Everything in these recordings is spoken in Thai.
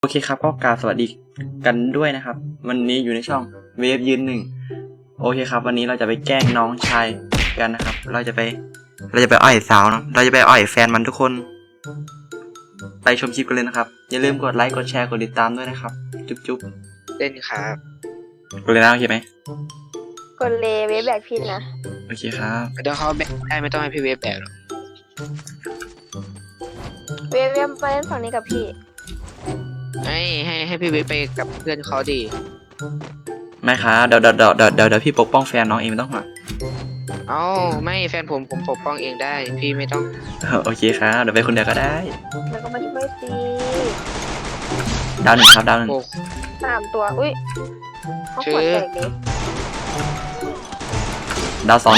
โอเคครับก็กราบสวัสดีกันด้วยนะครับวันนี้อยู่ในช่องเวฟยืนหนึ่งโอเคครับวันนี้เราจะไปแกล้งน้องชายกันนะครับเราจะไปอ่อยสาวเนาะเราจะไปอ่อยแฟนมันทุกคนไปชมคลิปกันเลยนะครับอย่าลืมกดไลค์กดแชร์กดติดตามด้วยนะครับจุ๊บเล่นครับกดเลยนะโอเคไหมกดเลเวฟแบกพินนะโอเคครับเดี๋ยวเขาแบกได้ไม่ต้องให้พี่เวฟแบกหรอกเวฟไปเล่นฝั่งนี้กับพี่ให้พี่เวฟไปกับเพื่อนเขาดีไม่ครับเดี๋ยวพี่ปกป้องแฟนน้องเองไม่ต้องห่วงเอ้าไม่แฟนผมปกป้องเองได้พี่ไม่ต้องโอเคครับเดี๋ยวไปคนเดียวก็ได้แล้วก็มาช่วยซีดาวหนึ่งครับดาวหนึ่งโอ้ 3 ตัวอุ้ยเขาขวดแตกดิดาวสอง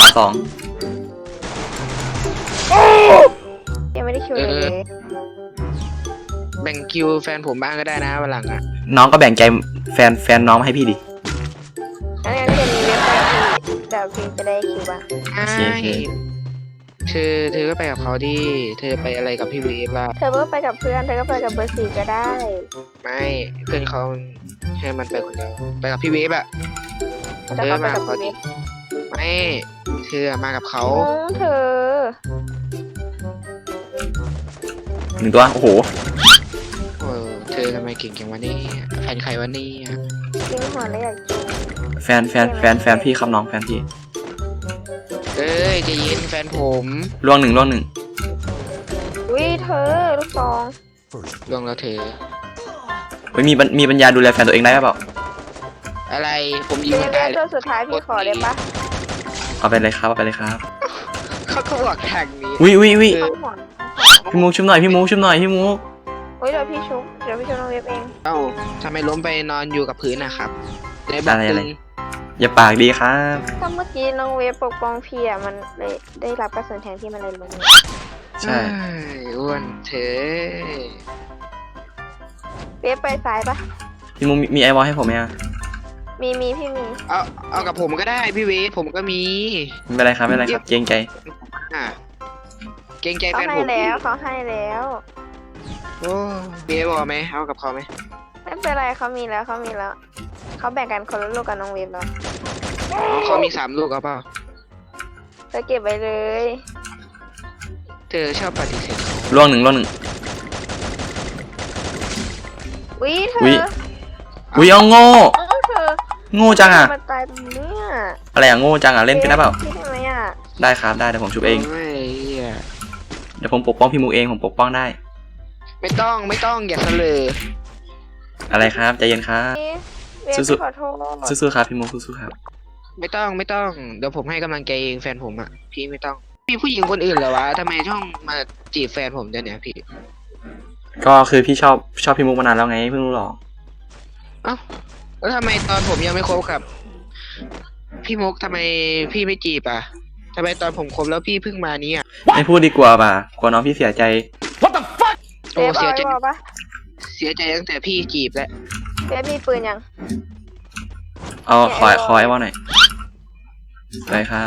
ยังไม่ได้คิวเลยแบ่งคิวแฟนผมบ้างก็ได้นะวันหลังอ่ะน้องก็แบ่งใจแฟนน้องมาให้พี่ดิอันนี้เดี๋ยวมีเวฟไปกับพี่เดี๋ยวพี่จะได้คิวบ้างโอเคเธอก็ไปกับเขาดิเธอไปอะไรกับพี่เวฟล่ะเธอก็ไปกับเพื่อนเธอก็ไปกับเบอร์4ก็ได้ไม่เพื่อนเขาให้มันไปคนเดียวไปกับพี่เวฟอะแล้วก็ไปกับพี่เวฟไม่เธอมากับเขาเธอหนึ่งตัวโอ้โหเธอทำไมเก่งจังวะนี่แฟนใครวะนี่กินหัวเลยอยากกินแฟนพี่ครับน้องแฟนพี่เอ้ยใจะเย็นแฟนผมล่วงหนึ่งอุ้ยเธอลูกซองล่วงแล้วเธอเฮ้ยมีปัญญาดูแลแฟนตัวเองได้เปล่าอะไรผมยิเวงฟมันเวได้ฟตัวสุดท้ายพี่ขอได้ปะเอาไปเลยครับเอาไปเลยครับเขาก็บอกทางนี้อุ้ยเขาหัวพี่มุกชุบหน่อยพี่มุกอุ้ยเดี๋ยวพี่ชุบน้องเวฟเองเอ้าทำไมล้มไปนอนอยู่กับพื้นนะครับได้บอกตึงอย่าปากดีครับก็เมื่อกี้น้องเวฟปกป้องพี่อ่ะมันเลยได้รับกระสุนแทนที่มันเลยลงใช่อ้วนเธอเวฟไปซ้ายปะพี่มุกมีไอวอลให้ผมไหมอ่ะมีพี่มีเอากับผมก็ได้พี่เวฟผมก็มีไม่เป็นไรครับเกรงใจอ่ะเกรงใจเขาแฟนให้ผมแล้วเขาให้แล้วโอ้เวฟบอกไหมเอากับเขาไหมไม่เป็นไรเขามีแล้วเขาแบ่งกันคนละลูกกับน้องเวฟแล้วเขามี3 ลูกเอาเปล่าเธอเก็บไว้เลยเธอชอบปฏิเสธเขาล่วงหนึ่งวิเธอุ๊อยเอาโง่เธอโง่จังอ่ะมาตายตรงเนี้ยอะไรอ่ะโง่จังอ่ะเล่นกันได้เปล่าพี่ได้ไหมอ่ะได้ครับได้เดี๋ยวผมชุบเองโยเหี้ยเดี๋ยวผมปกป้องพี่มุกเองผมปกป้องได้ไม่ต้องอย่าเสลออะไรครับใจเย็นครับเวฟสู้ๆขอโทษสู้ๆครับพี่มุกสู้ๆครับไม่ต้องเดี๋ยวผมให้กำลังใจเองแฟนผมอ่ะพี่ไม่ต้องมีผู้หญิงคนอื่นเหรอวะทำไมช่องมาจีบแฟนผมเดี๋ยวนี้พี่ก็คือพี่ชอบพี่มุกมานานแล้วไงเพิ่งรู้หรอเอ้าแล้วทำไมตอนผมยังไม่คบกับพี่มุกทำไมพี่ไม่จีบอ่ะทำไมตอนผมคบแล้วพี่เพิ่งมานี้อ่ะไม่พูดดีกว่าป่ะกลัวน้องพี่เสียใจเวฟเสียเอาใจไว้บอกปะเสียใจตั้งแต่พี่จีบแล้วเวฟมีปืนยังเอาขอไอวอลหน่อยไปครับ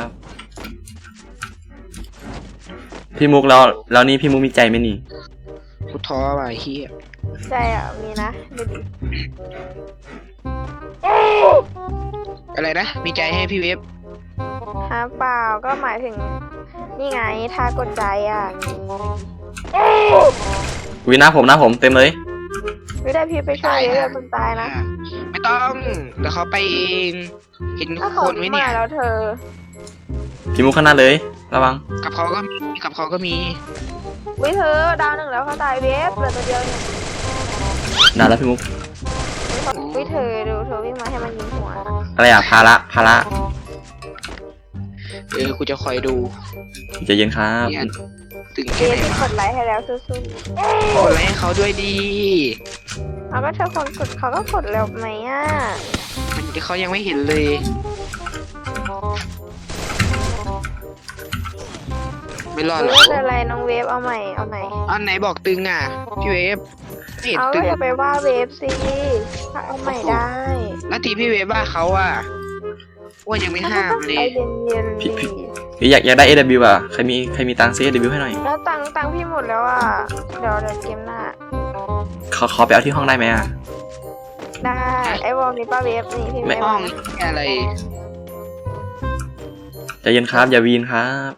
พี่มุกแล้วนี่พี่มุกมีใจไหมนี่กูท้อว่ะไอ้เฮียใจอ่ะมีนะดูดิอะไรนะมีใจให้พี่เวฟฮะเปล่าก็หมายถึงนี่ไงท่ากดใจอ่ะอุ้ยหน้าผมเต็มเลยไม่ได้พี่ไปช่วยเวฟคนตายนะไม่ต้องเดี๋ยวเขาไปเองเห็นถ้าเขาคนไหมเนี่ยมาแล้วเธอพี่มุกข้างหน้าเลยระวังกับเขาก็มีวิเธอดาว1แล้วเขาตายเวฟเหลือตัวเดียวเองนานแล้วพี่มุกวิเธอดูเธอวิ่งมาให้มันยิงหัวอะไรอ่ะภาระกูจะคอยดูใจเย็นครับเนี่ยตึงเวแค่ไหนฟวะกดไลค์ให้แล้วสู้กดไลค์ให้เขาด้วยดีๆเอาก็เธอคนกดเขาก็กดแล้วไหมอ่ะเขายังไม่เห็นเลยไม่รอดหรไม่อกเป็นไรน้องเวฟเอาใหม่อันไหนบอกตึงอ่ะพี่เวฟไม่เห็นเอาตึงอย่าไปว่าเวฟสิถ้าเอาใหม่ได้แล้วทีพี่เวฟว่าเขาอ่ะว่ายังไม่ห้ามเลใจยเย็นพี่อยากได้ AW อ่ะใครมีตังค์ซื้อ AW ให้หน่อยๆแล้วตังค์พี่หมดแล้วอ่ะเดี๋ยวเกมหน้าขอไปเอาที่ห้องได้ไหมอ่ะได้ไอ้วอลมีป้าเวฟนี่พี่ไม่ไม่ห้วออง ลอะไรใจเย็นครับอย่าวีนครับ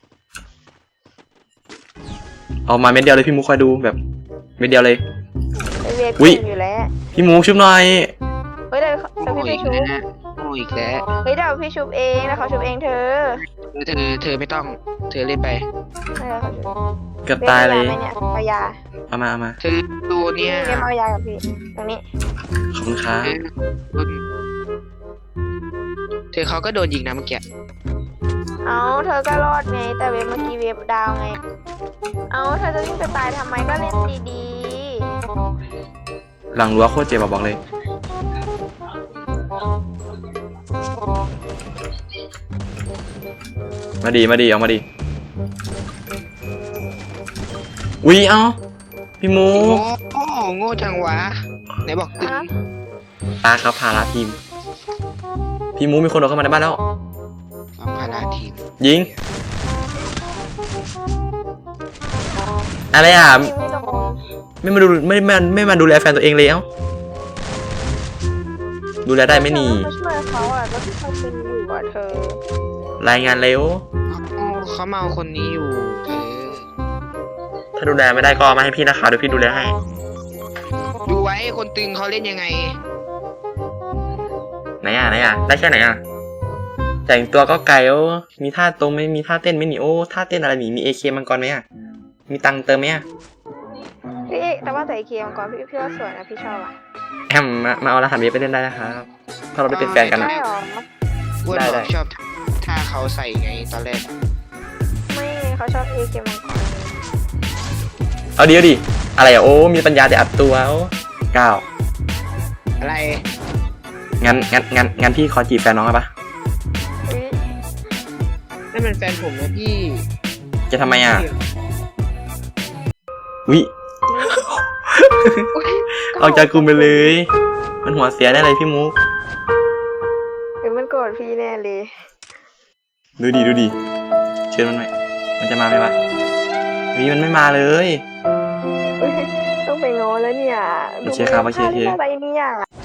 เอามาเม็ดเดียวเลยพี่มุกคอยดูแบบเม็ดเดียวเลยไอ้เวฟอุ๊ยเก่งอยู่แล้วพี่มุกชุบหน่อยเฮ้ยเดี๋ยวโง่พี่ไปอีกชุบแล้วโง่อีกแล้วเฮ้ยเดี๋ยวพี่ชุบเองแล้วเขาชุบเองเธอเธอไม่ต้อง เธอเล่นไปเออเขาชุบเกือบตายเลยเวฟเอายาไหมเนี่ยเอายาเอามาเธอดูเนี่ยเวฟเอายากับพี่ตรงนี้ขอบคุณครับเธอเขาก็โดนยิงนะเมื่อกี้เอาเธอก็รอดไงแต่เวฟเมื่อกี้เวฟดาวไงเอาเธอจะวิ่งไปตายทำไมก็เล่นดีหลังรั้วโคตรเจ็บอะบอกเลยมาดีเอามาดีอุ๊ยเอ้าพี่มุกโง่จังวะไหนบอกๆตึงฮะตาครับพาราทีมพี่มุกมีคนโดดเข้ามาในบ้านแล้วเอาพาราทีมยิงอะไรอ่ะยิงไม่โดนไม่มาดูแลแฟนตัวเองเลยเอ้าดูแลได้ไหมนี่เธอก็ช่วยเขาอ่ะก็ที่เขาเป็นอยู่อ่ะเธอรายงานเร็วเขาเมาคนนี้อยู่เธอถ้าดูแลไม่ได้ก็เอามาให้พี่นะคะเดี๋ยวพี่ดูแลให้ดูไว้คนตึงเขาเล่นยังไงไหนอ่ะได้แค่ไหนอ่ะแต่งตัวก็ไกลโอ้มีท่าตรงไม่มีท่าเต้นไหม่หนีโอ้ท่าเต้นอะไรหนีมีAKมังกรไหมอ่ะมีตังค์เติมไหมอ่ะพี่แต่ว่าแต่ไอเคียมก่อนพี่ว่าสวยนะพี่ชอบอ่ะแอมมาเอารหัสเบสไปเล่นได้นะครับถ้าเราได้เป็นแฟนกันนะใช่หรออ้วนได้บอกชอบท่าเขาใส่ไงตอนแรกไม่เขาชอบไอเคียมมังกรเอาดิอะไรอ่ะโอ้มีปัญญาแต่อัดตัวโอ้ก้าวอะไรงั้นพี่ขอจีบแฟนน้องได้ปะอุ๊ยนั่นเป็นแฟนผมนะพี่จะทำไมอ่ะวิอุ๊ยออกจากกลุ่มไปเลย มันหัวเสียแน่เลยพี่มุกเฮ้ยมันโกรธพี่แน่เลยดูดิเชิญมันหน่อยมันจะมาไหมวะวิมันไม่มาเลยอุ๊ยต้องไปง้อแล้วเนี่ยโอเคครับโอเคดูอะไรเนี่ย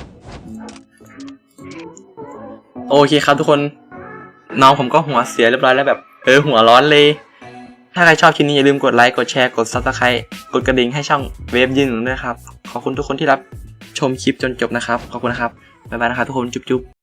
โอเคครับทุกคนน้องผมก็หัวเสียเรียบร้อยแล้วแบบหัวร้อนเลย ถ้าใครชอบคลิปนี้อย่าลืมกดไลค์กดแชร์กด Subscribe กดกระดิ่งให้ช่องเวฟยืนหนุนด้วยครับขอบคุณทุกคนที่รับชมคลิปจนจบนะครับขอบคุณนะครับบ๊ายบายนะครับทุกคนจุ๊บ